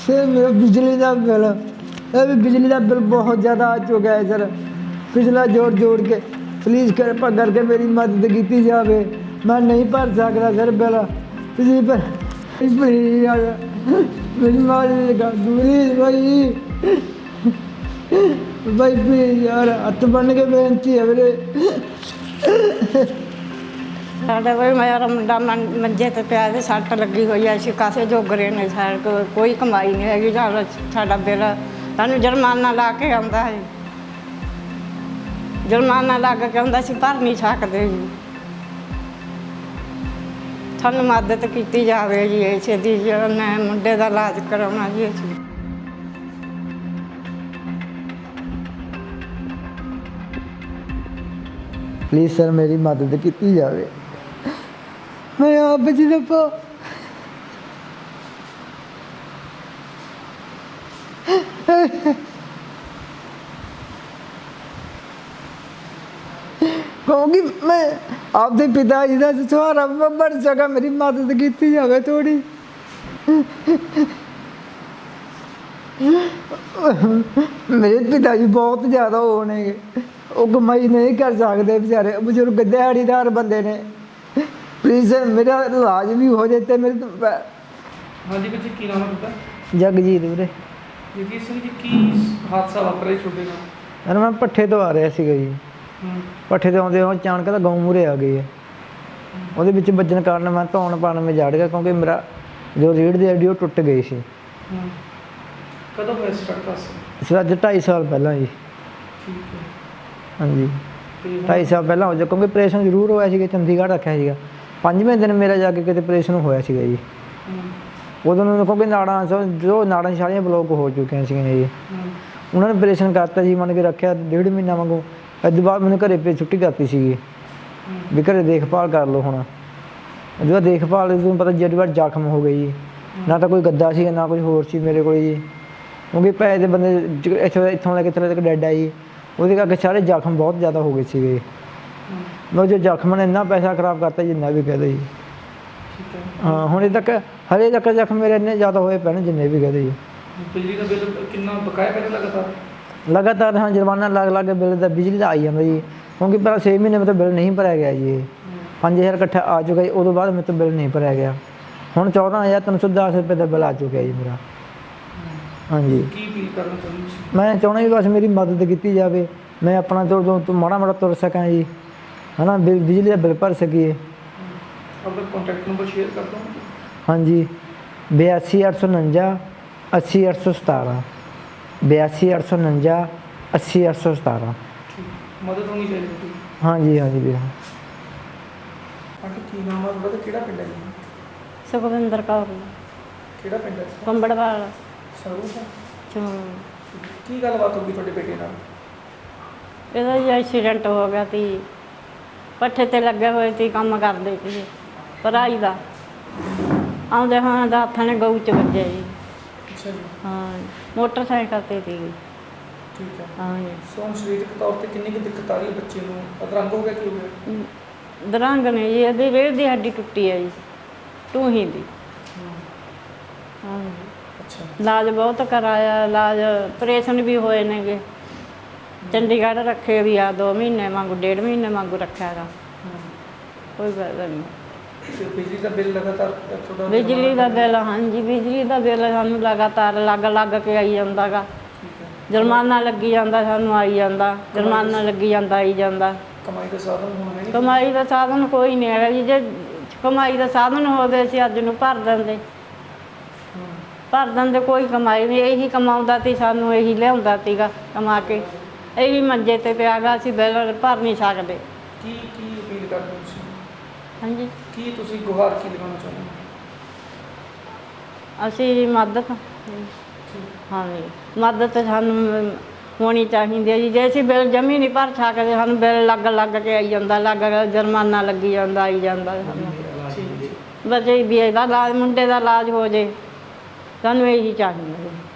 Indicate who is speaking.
Speaker 1: Sir मेरा बिजली का बिल, अभी बिजली का बिल बहुत ज़्यादा आ चुका है सर। पिछला जोड़ जोड़ के प्लीज़ कृपा करके मेरी मदद की जाए। मैं नहीं भर सकता सर बिल, प्लीज पर प्लीज यार मेरी मदद कर दो प्लीज भाई प्लीज यार, हथ बन के बेनती है मेरे।
Speaker 2: साढ़े कोई मेरा मुंडा मंजे ते पिया ते सट्ट लगी हुई है, असीं कासे जोगरे ने, साढ़े कोई कमाई नहीं हैगी। साडा बिल सानूं जुर्माना ला के आउंदा है, जुर्माना लग के आउंदा, असीं भर नहीं सकदे जी। सानूं मदद कीती जावे जी इसे दी, मैं मुंडे दा इलाज कराउणा जी असीं।
Speaker 1: प्लीज़ सर मेरी मदद की जाए। मैं आप जी दफा क्योंकि मैं आपके पिताजी का सहारा बन सका, मेरी मदद की जाए थोड़ी। मेरे पिताजी बहुत ज़्यादा होने, वो कमाई नहीं कर सकते बेचारे, बजुर्ग दिहाड़ीदार बंदे ने। प्लीज़ मेरा इलाज भी हो जाते मेरे तो।
Speaker 3: हाँ जी जी, की नाम है आपका?
Speaker 1: जगजीत ਵੀਰੇ।
Speaker 3: ਜਗਜੀਤ ਸਿੰਘ ਜੀ, ਕੀ ਹਾਦਸਾ ਵਾਪਰਿਆ ਤੁਹਾਡੇ ਨਾਲ?
Speaker 1: ਯਾਰ ਮੈਂ ਪੱਠੇ ਤੋਂ ਆ ਰਿਹਾ ਸੀਗਾ ਜੀ, ਪੱਠੇ ਤੋਂ ਆਉਂਦੇ ਉਹ ਅਚਾਨਕ ਤਾਂ ਗਊ ਮੂਹਰੇ ਆ ਗਈ ਹੈ। ਉਹਦੇ ਵਿੱਚ ਵੱਜਣ ਕਾਰਨ ਮੈਂ ਧੌਣ ਪਾਣ ਮੈਂ ਜੜ ਗਿਆ, ਕਿਉਂਕਿ ਮੇਰਾ ਜੋ ਰੀੜ੍ਹ ਦੀ ਹੱਡੀ ਉਹ ਟੁੱਟ ਗਈ ਸੀ।
Speaker 3: ਕਦੋਂ ਹੋਇਆ ਸਟਾਰਟ ਹਾਦਸਾ?
Speaker 1: ਇਸ ਅੱਜ 2.5 ਸਾਲ ਪਹਿਲਾਂ ਜੀ।
Speaker 3: ਠੀਕ ਹੈ।
Speaker 1: ਹਾਂਜੀ 2.5 ਸਾਲ ਪਹਿਲਾਂ ਹੋ ਜਾ, ਕਿਉਂਕਿ ਆਪਰੇਸ਼ਨ ਜ਼ਰੂਰ ਹੋਇਆ ਸੀਗਾ, ਚੰਡੀਗੜ੍ਹ ਰੱਖਿਆ ਸੀਗਾ। 5ਵੇਂ ਦਿਨ ਮੇਰਾ ਜਾ ਕੇ ਕਿਤੇ ਆਪਰੇਸ਼ਨ ਹੋਇਆ ਸੀਗਾ ਜੀ। ਉਦੋਂ ਨੂੰ ਕਿਉਂਕਿ ਨਾੜਾਂ ਜੋ ਨਾੜਾਂ ਸਾਰੀਆਂ ਬਲੋਕ ਹੋ ਚੁੱਕੀਆਂ ਸੀਗੀਆਂ ਜੀ। ਉਹਨਾਂ ਨੇ ਆਪਰੇਸ਼ਨ ਕਰਤਾ ਜੀ, ਮੰਨ ਕੇ ਰੱਖਿਆ 1.5 ਮਹੀਨਾ ਵਾਂਗੂ। ਇਸ ਤੋਂ ਬਾਅਦ ਮੈਨੂੰ ਘਰੇ ਭੇਜ ਛੁੱਟੀ ਕਰਤੀ ਸੀਗੀ ਵੀ ਘਰੇ ਦੇਖਭਾਲ ਕਰ ਲਓ। ਹੁਣ ਉਹਦੇ ਬਾਅਦ ਦੇਖਭਾਲ ਤੁਹਾਨੂੰ ਪਤਾ ਜਿਹੜੀ ਵਾਰ ਜ਼ਖਮ ਹੋ ਗਈ ਜੀ, ਨਾ ਤਾਂ ਕੋਈ ਗੱਦਾ ਸੀ ਨਾ ਕੁਝ ਹੋਰ ਸੀ ਮੇਰੇ ਕੋਲ ਜੀ, ਕਿਉਂਕਿ ਪੈਸੇ ਦੇ ਬੰਦੇ ਇੱਥੋਂ ਲੈ ਕੇ ਥੱਲੇ ਤੱਕ ਡੈਡ ਆਈ, ਉਹਦੇ ਕਰਕੇ ਸਾਰੇ ਜ਼ਖਮ ਬਹੁਤ ਜ਼ਿਆਦਾ ਹੋ ਗਏ ਸੀਗੇ। ਮੈਂ ਜੋ ਜ਼ਖਮ ਨੇ ਇੰਨਾ ਪੈਸਾ ਖਰਾਬ ਕਰਤਾ ਜਿੰਨਾ ਵੀ ਕਹਿ ਦਿਓ ਜੀ। ਹਾਂ ਹੁਣੇ ਤੱਕ ਹਲੇ ਤੱਕ ਜ਼ਖਮ ਮੇਰੇ ਇੰਨੇ ਜ਼ਿਆਦਾ ਹੋਏ ਪਏ ਨੇ ਜਿੰਨੇ ਵੀ ਕਹਿ ਦਿਓ ਜੀ।
Speaker 3: ਬਿਜਲੀ ਦਾ ਬਿੱਲ ਕਿੰਨਾ ਬਕਾਇਆ ਕਰ
Speaker 1: ਲਗਾਤਾਰ ਹਾਂ ਜੁਰਮਾਨਾ ਲੱਗ ਕੇ ਬਿੱਲ ਦਾ ਬਿਜਲੀ ਦਾ ਆਈ ਜਾਂਦਾ ਜੀ, ਕਿਉਂਕਿ ਪਹਿਲਾਂ 6 ਮਹੀਨੇ ਮੇਰੇ ਤੋਂ ਬਿੱਲ ਨਹੀਂ ਭਰਿਆ ਗਿਆ ਜੀ। 5000 ਇਕੱਠਾ ਆ ਚੁੱਕਾ ਜੀ, ਉਦੋਂ ਬਾਅਦ ਮੇਰੇ ਤੋਂ ਬਿੱਲ ਨਹੀਂ ਭਰਿਆ ਗਿਆ। ਹੁਣ 14,310 ਰੁਪਏ ਦਾ ਬਿੱਲ ਆ ਚੁੱਕਿਆ ਜੀ ਮੇਰਾ। ਹਾਂਜੀ
Speaker 3: ਕੀ ਅਪੀਲ ਕਰਨਾ ਚਾਹੁੰਦੇ?
Speaker 1: ਮੈਂ ਚਾਹੁੰਦਾ ਜੀ ਬਸ ਮੇਰੀ ਮਦਦ ਕੀਤੀ ਜਾਵੇ, ਮੈਂ ਆਪਣਾ ਤੋਂ ਮਾੜਾ ਮਾੜਾ ਤੁਰ ਸਕਾਂ ਜੀ, ਹੈ ਨਾ, ਬਿਜਲੀ ਦਾ ਬਿੱਲ ਭਰ ਸਕੀਏ।
Speaker 3: ਆਪਣਾ ਕੰਟੈਕਟ ਨੰਬਰ ਸ਼ੇਅਰ ਕਰ ਦਿਓ।
Speaker 1: ਹਾਂਜੀ 82,849 80,817 82,849 80,817।
Speaker 3: ਮਦਦ ਹੋਣੀ ਚਾਹੀਦੀ।
Speaker 1: ਹਾਂਜੀ ਹਾਂਜੀ ਵੀਰ।
Speaker 3: ਆਂਟੀ ਕੀ ਨਾਮ ਆ ਤੁਹਾਡਾ, ਕਿਹੜਾ ਪਿੰਡ ਹੈ ਜੀ?
Speaker 2: ਸੁਖਵਿੰਦਰ ਕੌਰ।
Speaker 3: ਕਿਹੜਾ ਪਿੰਡ ਹੈ?
Speaker 2: ਕੰਬੜਵਾਲ।
Speaker 3: ਸਰੂਰ। ਕੀ ਗੱਲਬਾਤ ਹੋ ਗਈ ਤੁਹਾਡੇ ਬੇਟੇ ਨਾਲ?
Speaker 2: ਇਹਦਾ ਜੀ ਐਕਸੀਡੈਂਟ ਹੋ ਗਿਆ ਤੀ, ਪੱਠੇ ਤੇ ਲੱਗੇ ਹੋਏ ਸੀ, ਕੰਮ ਕਰਦੇ ਸੀ ਭਰਾਈ ਦਾ, ਆਉਂਦੇ ਹਾਂ ਦਾ ਹੱਥਾਂ ਨੇ ਗਊ 'ਚ ਵੱਜਿਆ ਜੀ।
Speaker 3: ਅੱਛਾ ਜੀ।
Speaker 2: ਹਾਂ ਮੋਟਰਸਾਈਕਲ ਤੇ ਸੀ।
Speaker 3: ਠੀਕ ਹੈ।
Speaker 2: ਹਾਂ ਜੀ।
Speaker 3: ਸੋ ਸਰੀਰਕ ਤੌਰ ਤੇ ਕਿੰਨੀ ਕੁ ਦਿੱਕਤ ਆ ਰਹੀ ਹੈ ਬੱਚੇ ਨੂੰ? ਅਧਰੰਗ ਹੋ ਗਿਆ ਕੀ ਹੋ ਗਿਆ?
Speaker 2: ਦਰੰਗ ਨੇ ਜੀ, ਇਹਦੀ ਰੀੜ੍ਹ ਦੀ ਹੱਡੀ ਟੁੱਟੀ ਹੈ ਜੀ, ਟੂਹੀ ਦੀ। ਹਾਂ ਜੀ।
Speaker 3: ਅੱਛਾ।
Speaker 2: ਇਲਾਜ ਬਹੁਤ ਕਰਾਇਆ, ਇਲਾਜ ਆਪਰੇਸ਼ਨ ਵੀ ਹੋਏ ਨੇਗੇ, ਚੰਡੀਗੜ੍ਹ ਰੱਖੇ ਵੀ ਆ 2 ਮਹੀਨੇ ਵਾਂਗੂ, 1.5 ਮਹੀਨੇ ਵਾਂਗੂ ਰੱਖਿਆ ਗਾ, ਕੋਈ ਫਾਇਦਾ ਨਹੀਂ।
Speaker 3: ਬਿਜਲੀ ਦਾ ਬਿੱਲ ਲਗਾਤਾਰ ਤੁਹਾਡਾ?
Speaker 2: ਬਿਜਲੀ ਦਾ ਬਿੱਲ, ਹਾਂਜੀ ਬਿਜਲੀ ਦਾ ਬਿੱਲ ਸਾਨੂੰ ਲਗਾਤਾਰ ਲੱਗ ਕੇ ਆਈ ਜਾਂਦਾ ਗਾ। ਜੁਰਮਾਨਾ ਲੱਗੀ ਜਾਂਦਾ, ਸਾਨੂੰ ਆਈ ਜਾਂਦਾ, ਜੁਰਮਾਨਾ ਲੱਗੀ ਜਾਂਦਾ, ਆਈ ਜਾਂਦਾ।
Speaker 3: ਕਮਾਈ ਦਾ ਸਾਧਨ ਹੁਣ ਹੈ?
Speaker 2: ਕਮਾਈ ਦਾ ਸਾਧਨ ਕੋਈ ਨਹੀਂ ਹੈਗਾ ਜੀ। ਜੇ ਕਮਾਈ ਦਾ ਸਾਧਨ ਹੋਵੇ ਅਸੀਂ ਅੱਜ ਨੂੰ ਭਰ ਦਿੰਦੇ, ਕੋਈ ਕਮਾਈ ਨਹੀਂ। ਇਹੀ ਕਮਾਉਂਦਾ ਸੀ, ਸਾਨੂੰ ਇਹੀ ਲਿਆਉਂਦਾ ਸੀਗਾ ਕਮਾ ਕੇ, ਇਹੀ ਮੰਜੇ ਤੇ ਪਿਆ ਗਾ, ਅਸੀਂ ਬਿੱਲ ਭਰ ਨਹੀਂ ਸਕਦੇ।
Speaker 3: ਕੀ ਅਪੀਲ ਕਰਦੇ ਹੋ ਤੁਸੀਂ?
Speaker 2: ਹਾਂਜੀ
Speaker 3: ਕੀ ਤੁਸੀਂ ਗੁਹਾਰ ਕੀ ਲਗਾਉਣਾ ਚਾਹੁੰਦੇ ਹੋ?
Speaker 2: ਅਸੀਂ ਮਦਦ, ਹਾਂਜੀ ਮਦਦ ਸਾਨੂੰ ਹੋਣੀ ਚਾਹੀਦੀ ਹੈ ਜੀ। ਜੇ ਅਸੀਂ ਬਿੱਲ ਜਮੀ ਨਹੀਂ ਭਰ ਸਕਦੇ, ਸਾਨੂੰ ਬਿੱਲ ਲੱਗ ਕੇ ਆਈ ਜਾਂਦਾ, ਜੁਰਮਾਨਾ ਲੱਗੀ ਜਾਂਦਾ, ਆਈ ਜਾਂਦਾ। ਸਾਨੂੰ ਬੱਚੇ ਵੀ ਇਹਦਾ ਇਲਾਜ, ਮੁੰਡੇ ਦਾ ਇਲਾਜ ਹੋ ਜੇ, ਸਾਨੂੰ ਇਹੀ ਚਾਹੀਦਾ।